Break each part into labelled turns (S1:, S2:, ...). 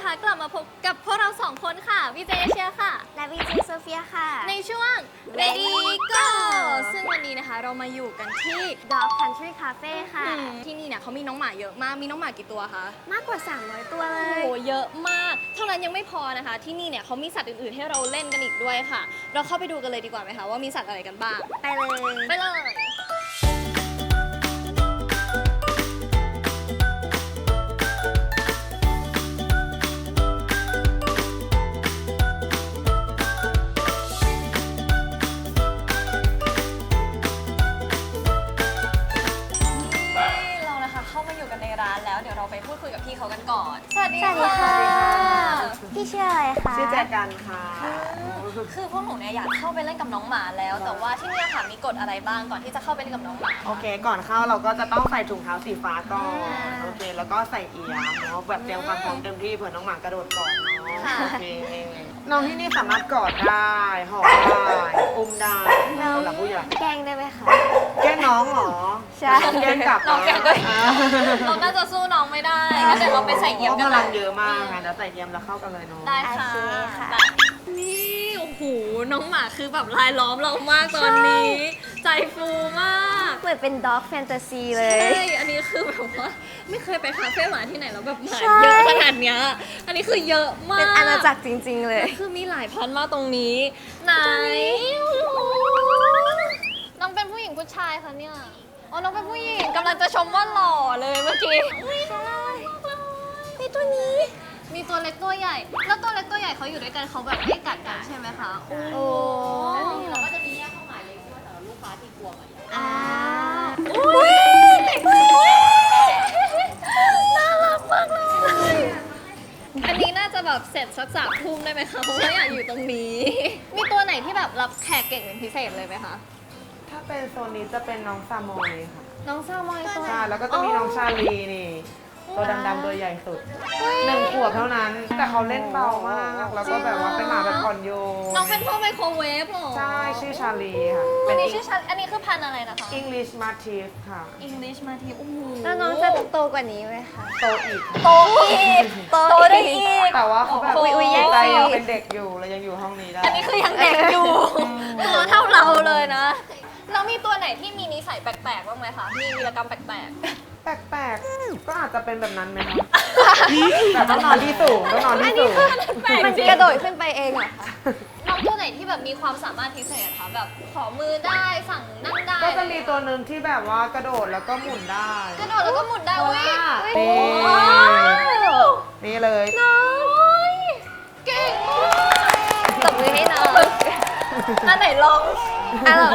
S1: นะคะกลับมาพบกับพวกเราสองคนค่ะวีเจเอเชียค่ะ
S2: และวีเจโซเฟียค่ะ
S1: ในช่วง Ready Go ซึ่งวันนี้นะคะเรามาอยู่กันที่
S2: Dog Country Cafe ค่ะ
S1: ที่นี่เนี่ยเขามีน้องหมาเยอะมากมีน้องหมากี่ตัวคะ
S2: มากกว่า 300 ตัวเล
S1: โอ้
S2: ย
S1: โหเยอะมากเท่านั้นยังไม่พอนะคะที่นี่เนี่ยเขามีสัตว์อื่นๆให้เราเล่นกันอีกด้วยค่ะเราเข้าไปดูกันเลยดีกว่าไหมคะว่ามีสัตว์อะไรกันบ้าง
S2: ไปเลย
S1: ไปเลยเรานะคะเข้ามาอยู่กันในร้านแล้วเดี๋ยวเราไปพูดคุยกับพี่เขากันก่อนสวัสดี
S2: สวัสดีค่ะ พี่ชื่ออะไรคะ
S3: ชื่อแจกันค่ะ
S1: คือพวกหนูเนี่ยอยากเข้าไปเล่นกับน้องหมาแล้ว แต่ว่าที่เนี่ยค่ะมีกฎอะไรบ้างก่อนที่จะเข้าไปเล่นกับน้องหมา
S3: โอเค ก่อนเข้าเราก็จะต้องใส่ถุงเท้าสีฟ้าก่อน โอเค แล้วก็ใส่เอี๊ยมเนาะ แบบเตรียมความพร้อมเต็มที่เผื่อน้องหมากระโดดก่อนเนาะ โอเค น้องที่นี่สามารถกอดได้ หอมได้ อุ้มได้สำหรับผู้ใหญ่
S2: แกล้งได้ไหมคะ
S3: แกล้งน้องเหรอ
S2: ใช่
S3: แกล้งกลับ
S1: น้องแกก็
S3: อ่า
S1: เราน่าจะสู้น้องไม่ได้งั้นเดี๋ยวเราไปใส่เยี่ยม
S3: พ
S1: กัน
S3: ราะพ
S1: เล
S3: ลัง
S1: ย
S3: เยอะมากค่ะเดี๋ยวใส่เยี่ยมแล้วเข้ากันเลยเนาะ
S1: ได้ค่ะ
S2: โอเคค่ะ
S1: นี่โอ้โหน้องหมาคือแบบลายล้อมเรามากตอนนี้ ใจฟูมาก
S2: เหมือนเป็น Dog Fantasy เล
S1: ใช่
S2: ย
S1: อันนี้คือแบบว่าไม่เคยไปคาเฟ่หมาที่ไหนแล้วแบบหมา
S2: ใช่
S1: เยอะขนาดเนี้ยอันนี้คือเยอะมาก
S2: เป็นอาณาจักรจริง ๆ เลย
S1: คือมีหลายพันมากตรงนี้ไหนน้องเป็นผู้หญิงผู้ชายคะเนี่ยอ๋อน้องเป็นผู้หญิงกำลังจะชมว่าหล่อเลยเมื่อกี้ใช่มีตัวนี้ มีตัวเล็กตัวใหญ่ แล้วตัวเล็กตัวใหญ่เขาอยู่ด้วยกันเขาแบบไม่กัดกันใช่ไหมคะโอ้
S2: โอ้
S1: เราก็จะมีแยกเข้าหมายเล็กที่ว่าสำหรับลูกค้าที่กลัวหมาใหญ่
S2: อ่า
S1: อุ้ยเด็กเลยน่ารักมากเลย อันนี้น่าจะแบบเสร็จสัก3 ทุ่มได้ไหมคะ เพราะว่าอยากอยู่ตรงนี้ มีตัวไหนที่แบบรับแขกเก่งเป็นพิเศษเลยไหมคะ
S3: ถ้าเป็นโซนนี้จะเป็นน้องซามอยค่ะ
S1: น้องซามอยตัว
S3: ใช่ แล้วก็จะมีน้องชาลีนี่ ตัวดำๆตัวใหญ่สุด1 ขวบเท่านั้น แต่เขาเล่นเบามาก แล้วก็แบบว่าเป็นหมาแบบอ่อนโยน
S1: น้องเป็นพวกไมโครเวฟเหรอ
S3: ใช่ ชื่อชาลีค่ะ
S1: อั
S3: เป็น น
S1: นี้ชื่อชันอันนี้คือพันธุ์อะไรนะคะ
S3: English Mastiff ค่ะ
S1: English มาทีโอ้โห
S2: แล้วน้องจะโตกว่านี้ไหมคะ
S3: โตอีก
S1: โตอีกโตได้อีก
S3: แต่ว่าเขาแบบ
S2: อุ๊ยแย่ง
S3: ใจ
S2: สิ
S3: ยังเป็นเด็กอยู่เลยยังอยู่ห้องนี้ได้
S1: อันนี้คือยังเด็กอยู่ ตัวเท่าเราเลยนะ แล้วมีตัวไหนที่มีนิสัยแปลกๆบ้างไหมคะ มีวีรกรรมแปลก
S3: แปลกๆ ก็อาจจะเป็นแบบนั้นไหมคะแต่ต้องนอนที่สูงต้องนอนที่สูง
S1: ๆ แปลก
S2: มัน
S1: จริง
S2: กระโดดขึ้นไปเองเหรอคะ
S1: น้องตัวไหนที่แบบมีความสามารถพิเศษคะแบบขอมือได้สั่งนั่งได้
S3: ก็จะมีตัวหนึ่งที่แบบว่ากระโดดแล้วก็หมุนได้
S1: กระโดดแล้วก็หมุนได้
S3: เพราะ
S1: อุ้ย
S3: ว่า
S1: โอ้
S3: นี่
S1: ย
S3: นี่เลย
S1: น้อยเก่งมาก
S2: ตบมือให้น้อง
S1: อันไหนลอง
S2: อ่ะลอง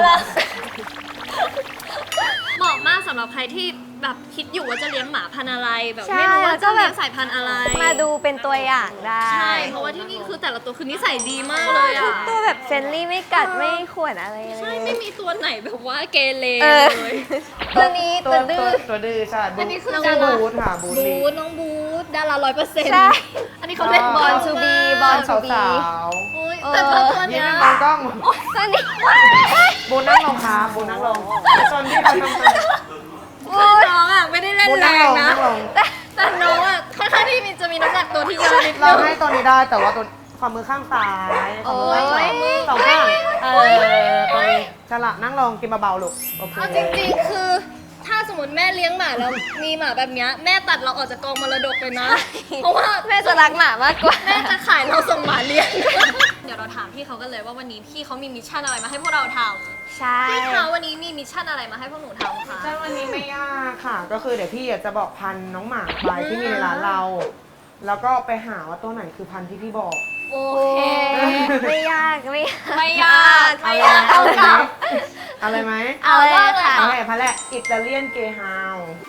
S1: เหมาะมากสำหรับใครที่แบบคิดอยู่ว่าจะเลี้ยงหมาพันธุ์อะไรแบบ
S2: ใช่
S1: ไม่รู้ว่า
S2: แล้วก็
S1: จะ
S2: แบบ
S1: เลี้ยงสายพันธุ์อะไร
S2: มาดูเป็นตัวอย่างได้
S1: ใช่เพราะว่าที่นี่คือแต่ละตัวคือนิสัยดีมากเลยอ่ะ
S2: ตัวแบบเฟรนลี่ไม่กัดไม่ข่วนอะไรเลย
S1: ใช่ไม่มีตัวไหนแบบว่าเกเร
S2: เอ
S1: เล
S2: อ
S1: ย
S2: ตัวนี้ตัวดื้อ
S3: ตัวดื้อใช่
S1: อันนี้คือ
S3: น้อง
S1: ดารา
S3: บูธค่ะบูธ
S1: บู
S3: ลี
S1: ธน้องบูธดารา100%
S2: ใช่
S1: อันนี้เขาเล่นบอล
S2: Born to be Born to be
S3: สาว
S1: โอ้ย
S2: เออ
S1: แต่ละตัว
S3: ๆ
S1: เนี้
S3: ยิ้
S1: ย
S3: มมองกล้อง
S2: ตัวนี้
S3: บูธนั่งลงครับบูธนั่งลงตอนที่เขาทำตัว
S1: น้องอ่ะไม่ได้เล่น
S3: บูธ
S1: แร
S3: นั่งล
S1: ง
S3: ง
S1: นะ
S3: นั่งลง
S1: แต่น้องอ่ะค่อนข้างที่จะมีน้ำหนักตัวที่เยอะนิด
S3: เรา
S1: นึง
S3: ให้ตัวนี้ได้แต่ว่าตัวความมือข้างซ้ายความมือข้างขวา
S2: โอ้ย
S3: สองข้างตัวนี้ฉลาดนั่งลงกินเบาๆลูกโอเค
S1: เอาจริงๆคือถ้าสมมติแม่เลี้ยงหมาแล้วมีหมาแบบเนี้ยแม่ตัดเราออกจากกองมรดกเลยนะ เพราะว่า
S2: แม่จะรักหมามากกว่า
S1: แม่จะขายเราส่งหมาเลี้ยง เดี๋ยวเราถามพี่เขากันเลยว่าวันนี้พี่เขามีมิชชั่นอะไรมาให้พวกเราท
S2: ใช่
S1: ำพี่เขาวันนี้มีมิชชั่นอะไรมาให้พวกหนูทำคะ
S3: ใช่วันนี้ไม่ยากค่ะ ก็คือเดี๋ยวพี่จะบอกพันธุ์น้องหมาไปที่มีในร้านเรา แล้วก็ไปหาว่าตัวไหนคือพันธุ์ที่พี่บอก
S1: โอ
S2: โอ้
S1: เค
S2: ไม่ยากไม่ยาก
S1: ไม่ยากไม่ยาก
S3: เอา
S1: เท่า
S3: เลยไหม
S1: กับ
S3: เอาเลยไหม
S2: เอาเลยค่ะ
S3: เอาเลยพันธุ์แรกอิตาเลียนเกฮาว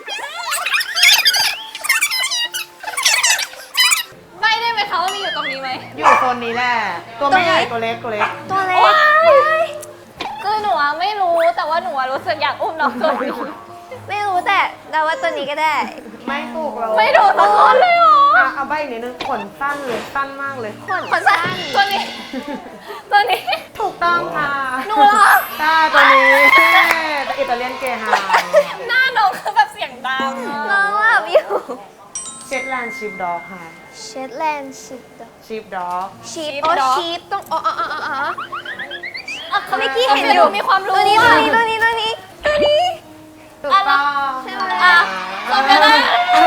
S1: ไม่ได้ไหมคะว่ามีอยู่ตรงนี้ไหม
S3: อยู่โซนนี้แหละ ตัวไม่ใหญ่ตัวเล็กตัวเล็ก
S2: ตัวเล็ก
S1: คือหนูอะไม่รู้แต่ว่าหนูอะรู้สึกอยากอุ้มน้องตัวนี้
S2: ไม่รู้แต่เราว่าตัวนี้ก็ได้
S3: ไม่ถูกเรา
S1: ไม่ดูสักคนเลยเหรอ
S3: เอาใบอีกนิดนึงขนสั้นเลยสั้นมากเลย
S1: ขนสั้นตัวนี้ ตัวนี้
S3: ถูกต้องค่ะ
S1: หนูเหรอ
S3: ใช่ตัวนี้อิตาเลียนเกฮาว
S1: หน้าน้องคือแบบเสียงดัง
S2: น้องหลับอยู่
S3: เช็ดแลนด์ชิปด็อกค่ะ
S2: เชตแลนด์ชิป
S3: ชิปด็อก
S2: ชีพ
S1: Sheep
S2: อ๋อ
S1: dog
S2: ชีพต้องอ๋อเขาเมื่อกี้
S1: โอเค
S2: เห็นอยู่
S1: มีความรู้
S2: ตัวนี้
S1: อะ
S2: ตัวนี้ตัวนี้
S3: ถูกต้อง
S2: ใช่ไหม
S1: อ่ะจบไปแล้ว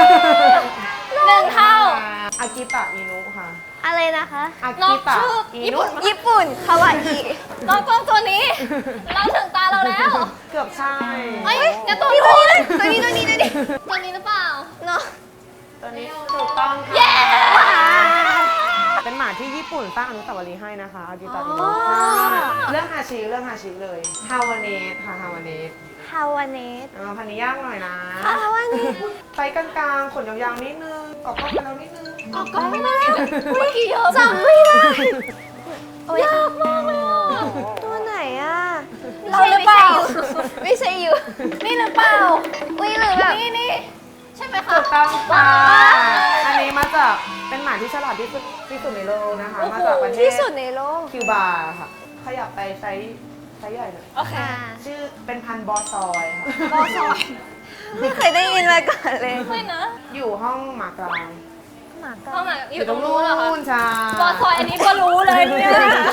S1: 1 เท่า
S3: อากิตะอินุค่ะ
S2: อะไรนะคะ
S3: อากิตะ
S1: น้องชื่อ
S3: อินุ
S2: ญี่ปุ่นคาวาอิ
S1: น้องกล้องตัวนี้ เราถึงตาเราแล้ว
S3: เกือบใช่
S1: เฮ้ยงั้นตัว
S2: นี่
S1: นู้น
S2: ตัวนี้ตัวนี้
S1: ตัวนี้หรือเปล่า
S2: เนาะ
S3: ตัวนี้ถูกต้องค่ะ
S1: เย้
S3: เป็นหมาที่ญี่ปุ่นสร้างอนุสาวรีย์ให้นะคะอากิตะอินุ
S2: อ๋อ
S3: เรื่องฮาชิเลยฮาวาเนสค่ะฮาวาเนส
S2: ฮาวาเนส
S3: พันนี้ยากหน่อยนะ
S2: ฮาวาเนส
S3: ไซส์กลางๆขนยาวๆนิดนึงออกกล้องไปแล้วนิดนึง
S1: ออกกล้องไม่ได้เมื่อกี้เยอะ
S2: จำไม่ได้
S1: ยากมากเลยอ่ะ
S2: ตัวไหนอ่ะ
S1: เราหรือเปล่า
S2: ไม่ใช่อยู่
S1: นี่หรือเปล่า
S2: อุ้ยหรือแบบ
S1: นี่ใช่ไหมคะ
S3: ถูกต้องค่ะอันนี้มาจากเป็นหมาที่ฉลาดที่สุดในโลกนะคะ มาจากประเทศ
S2: ที่สุดในโลก
S3: คิวบาค่ะ ขยับไปไซส์ใหญ่หน่อย
S1: โอเค
S3: ชื่อเป็นพันธุ์บอสซอยค่ะ
S1: บอสอย
S2: ไม่เคยได้ยินมาก่อนเลย
S1: ไม่นะ
S3: อยู่ห้องหมากลาง
S2: หมาก็
S1: เข้ามาอยู่ตรงนู้นเหรอคะ
S3: ใช่
S1: บอสอยอันนี้ก็รู้เลยเนี่ย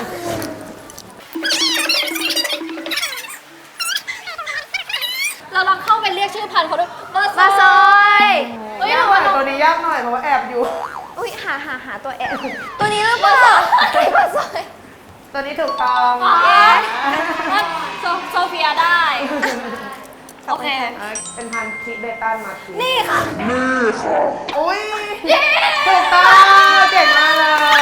S1: เราลองเข้าไปเรียกชื่อพันธุ์เขาด้วยบอส
S2: มาซ
S1: อย
S2: อย
S1: เฮ้ย
S3: ยาก
S1: หรือ
S3: หน่
S1: ว่า
S3: อยตัวนี้ยากหน่อยเพราะว่าแอบอยู่
S2: อุ้ยหาตัวแอบตัวนี้หรือเปล่ามาซอย
S3: ตัวนี้ถูกต้อง
S1: อ๋อโซเฟียได้ โอเค
S3: เป็นพันธุ์ทิเบตันมาคี
S1: นี่ค่ะ
S3: อุ้ยถูกต้องเก่งมากเลย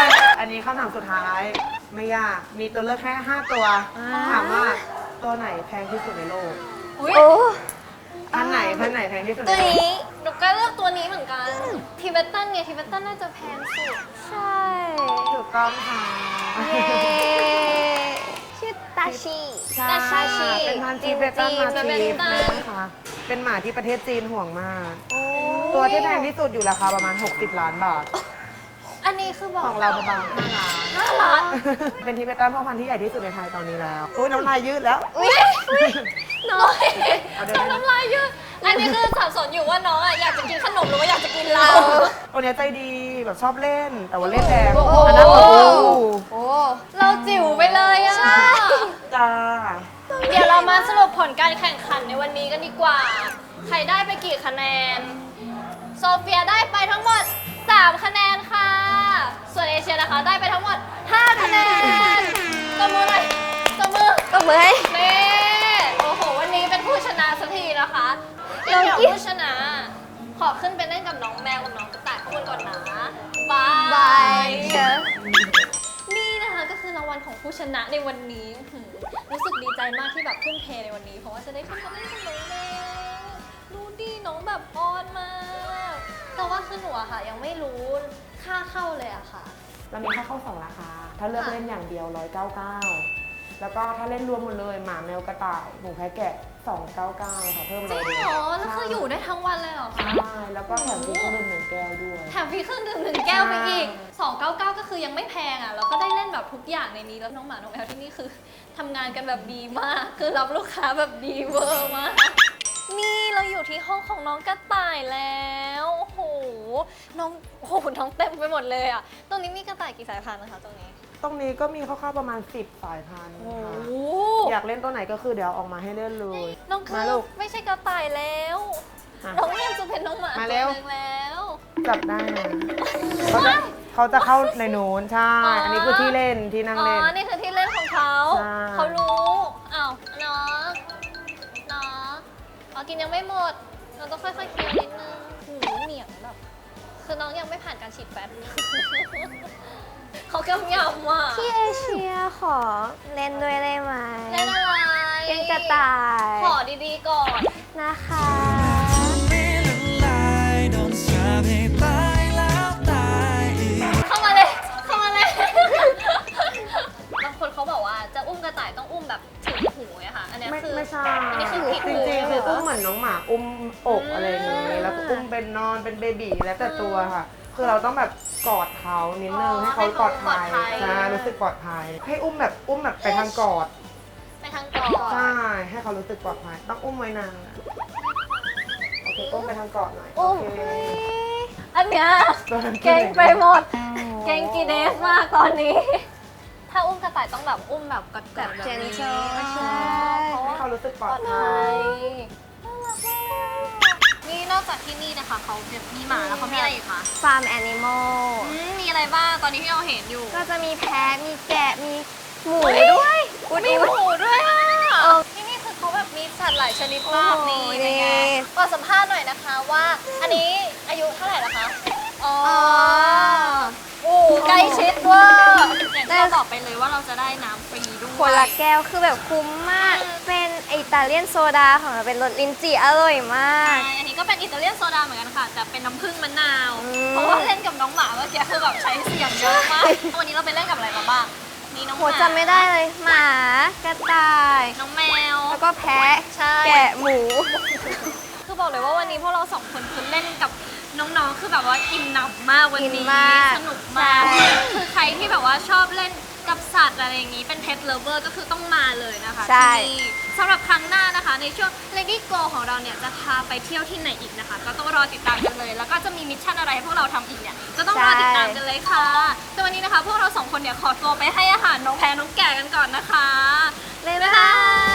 S3: อันนี้คำถามสุดท้ายไม่ยากมีตัวเลือกแค่5ตัวถามว่าตัวไหนแพงที่สุดในโลก
S1: อุ้ย
S2: โอ้
S3: พันธุ์ไหนแพงที่สุดใน
S2: ตัว
S3: โลก
S2: นี้
S1: หนูก็เลือกตัวนี้เหมือนกันทิเบตันไงทิเบตันน่าจะแพงสุด
S2: ใช่
S3: ถูกต้องค่ะ
S2: เย้ชื่อตาชิ
S3: ใช่
S2: ตาชิ
S3: เป็นพันธุ์ทิเบตันมา
S1: ทิ
S3: ที
S1: เบตัน
S3: นะคะเป็นหมาที่ประเทศจีนห่วงมาก
S2: โอ้
S3: ตัวที่แพงที่สุดอยู่ราคาประมาณ60 ล้านบาท
S1: อันนี้คือบอก
S3: ของเราประมาณ5 ล้าน
S1: 5 ล้าน
S3: เป็นทิเบตันพ่อพันธุ์ที่ใหญ่ที่สุดในไทยตอนนี้แล้วอุ้ยน้ำลายยืดแล้ว
S2: อุ้ยน้อย
S3: เอาเดี๋ยว
S1: น้ำลายเยอะอันนี้คือสับสนอยู่ว่าน้องอะอยากจะกินขนมหรือว่าอยากจะกินเรา
S3: ตัวเนี้ยใจดีแบบชอบเล่น แต่ว่าเล่นแรง
S1: โอ้โห
S3: อันนั้นโอ้โห
S2: โอ้
S1: เราจิ๋วไปเลยอะ
S3: จ้า
S1: เดี๋ยวเรามาสรุปผลการแข่งขันในวันนี้กันดีกว่า ใครได้ไปกี่คะแนน โซเฟียได้ไปทั้งหมด 3 คะแนนค่ะ ส่วนเอเชียนะคะได้ไปทั้งหมด 5 คะแนนตบมือหน่อยตบมือ
S2: ตบมือให้
S1: นี่โอ้โห วันนี้เป็นผู้ชนะสักทีนะคะ
S2: น้
S1: เดี๋
S2: อง
S1: ยว
S2: กิ๊ฟ
S1: ผู้ชนะ ขอขึ้นไปเล่นกับน้องแมวกับน้องกระต่ายข้างบนก่อนนะบาย
S2: บายเชฟ
S1: นี่นะคะก็คือรางวัลของผู้ชนะในวันนี้รู้สึกดีใจมากที่แบบทุ่มเทในวันนี้ เพราะว่าจะได้ขึ้นมาเล่นกับน้องแมวดูดิน้องแบบอ้อนมาก แต่ว่าคือหนูอะค่ะ ยังไม่รู้ค่าเข้าเลยอะค่ะ
S3: เรามีค่าเข้า2 ราคา ถ้าเลือกเล่นอย่างเดียว199แล้วก็ถ้าเล่นรวมหมดเลยหมาแมวกระต่ายหมูแพะแกะ299ค่ะเพิ่ม
S1: จริง
S3: 100
S1: เหรอ แล้วคืออยู่ได้ทั้งวันเลยเหรอคะ
S3: ใช่แล้วก็แถมฟรีเครื่องดื่ม1 แก้วด้วย
S1: แถมฟรีเครื่องดื่ม1 แก้วไปอีก 299 ก็คือยังไม่แพงอ่ะ แล้วก็ได้เล่นแบบทุกอย่างในนี้ แล้วน้องหมา น้องแมวที่นี่คือทำงานกันแบบดีมาก คือรับลูกค้าแบบดีเวอร์มาก นี่เราอยู่ที่ห้องของน้องกระต่ายแล้ว โอ้โห น้องเต็มไปหมดเลยอ่ะ ตรงนี้มีกระต่ายกี่สายพันธุ์นะคะตรงนี้
S3: ตรงนี้ก็มีคร่าวๆประมาณ10 สายพันธุ์
S1: โอ้
S3: ค่ะ
S1: โห
S3: อยากเล่นตัวไหนก็คือเดี๋ยวเอาออกมาให้เล่นเลย
S1: น้องคื
S3: มา
S1: อ
S3: ลูก
S1: ไม่ใช่กระต่ายแล้ว
S3: อ่ะ
S1: น้องเริ่มจะเป็นน้องหมา
S3: มา
S1: ตัว
S3: เร็ว
S1: หนึงแล้ว
S3: จับได้นะเขาจะเข้าในโน้นใช่ อันนี้คือที่เล่นที่นั่ง
S1: อ๋อ
S3: เล่น
S1: นี่คือที่เล่นของเขา
S3: ใช่
S1: เขารู้ อ้าวน้องอ๋อกินยังไม่หมด เราต้องค่อยๆเคี้ยวนิดนึงหูเหนียงแบบ คือน้องยังไม่ผ่านการฉีดแฟต เขากำยำอ่ะ
S2: ที่เอเชียขอเล่นด้วยได้ไหม
S1: เล่นอะไร
S2: เป็นกระต่าย
S1: ขอดีๆก่อน
S2: นะคะ
S1: เข้ามาเลย เข้ามาเลย บางคนเขาบอกว่าจะอุ้มกระต่ายต้องอุ้มแบบถึงหูอะค่ะ อันเนี้ยคือ
S3: ไม่ใช่
S1: อันนี้คือผิด
S3: จ
S1: หู
S3: ริงๆคืออุ้มเหมือนน้องหมาอุ้มอกอะไรอย่าง
S1: อื
S3: งี้
S1: ม
S3: แล้วก็อุ้มเป็นนอนเป็นเบบีแล้วแต่ตัวค่ะ คือเราต้องแบบกอดเขานิดนึงให้เขาปลอดภัยใช่รู้สึกปลอดภัย ให้อุ้มแบบไปทางกอด
S1: ไปทางก่อน
S3: ใช่ให้เขารู้สึกปลอดภัยต้องอุ้มไว้นานโอเคอุ้มไปทางกอดหน่อยโอ
S2: อุ้ม
S3: เค
S1: อันเนี้ยเก่งไปหมด เก่งกีเดสมากตอนนี้ ถ้าอุ้มกระต่ายต้องแบบอุ้มแบบกอดๆแบบนี้
S2: gentle
S1: ใช่เพราะ
S3: ให้
S1: ว่า
S3: เขารู้สึกปลอด
S1: ไท
S3: ภัย
S1: ยน่ารักมากนี่นอกจากที่นี่นะคะเขามีหมาแล้วเขามีอะไรอีกคะ
S2: ฟาร์มแอนิมอล
S1: มีอะไรบ้างตอนนี้ที่เราเห็นอยู่
S2: ก็จะมีแพะ มีแกะ มีหมูด้วย
S1: มีหมูด้วยอ่ะที่นี่คือเขาแบบมีสัตว์หลายชนิดมากนี่เป็นไงขอสัมภาษณ์หน่อยนะคะว่าอันนี้อายุเท่าไหร่แล้วคะอ๋อโอ้ใกล้ชิดเว่าอย่างที่เราบอกไปเลยว่าเราจะได้น้ำฟรีด้วย
S2: คนละแก้วคือแบบคุ้มมาก เป็นอิตาเลียนโซดาของเราเป็นรสลิ้นจี่อร่อยมาก
S1: ใช่อันนี้ก็เป็นอิตาเลียนโซดาเหมือนกันค่ะ แต่เป็นน้ำผึ้งมะนาว
S2: อืม
S1: เพราะว่าเล่นกับน้องหมาเมื่อกี้คือแบบใช้เสียงเยอะมาก วันนี้เราไปเล่นกับอะไรมาบ้าง มีน้องห
S2: โห
S1: มา
S2: จำไม่ได้เลย หมา กระต่าย
S1: น้องแมว
S2: แล้วก็แพะ
S1: ใช่
S2: แกะ หมู
S1: คือบอกเลยว่าวันนี้พวกเราสองคนคือเล่นกับน้องๆ คือแบบว่าอิ่มหนำมากวัน
S2: อิ
S1: นี้
S2: นมาก
S1: สนุกมาก
S2: ใช่
S1: คือใครที่แบบว่าชอบเล่นกับสัตว์อะไรอย่างนี้เป็น pet lover ก็คือต้องมาเลยนะคะ
S2: ใช่
S1: ที่นี่สำหรับครั้งหน้านะคะ ในช่วง Lady Go ของเราเนี่ยจะพาไปเที่ยวที่ไหนอีกนะคะ ก็ต้องรอติดตามกันเลย แล้วก็จะมีมิชชั่นอะไรให้พวกเราทำอีกเนี่ยก็ต้องรอติดตามกันเลยค่ะแต่วันนี้นะคะ พวกเราสองคนเนี่ยขอตัวไปให้อาหารน้องแพรน้องแก่กันก่อนนะคะ
S2: บ๊ายบาย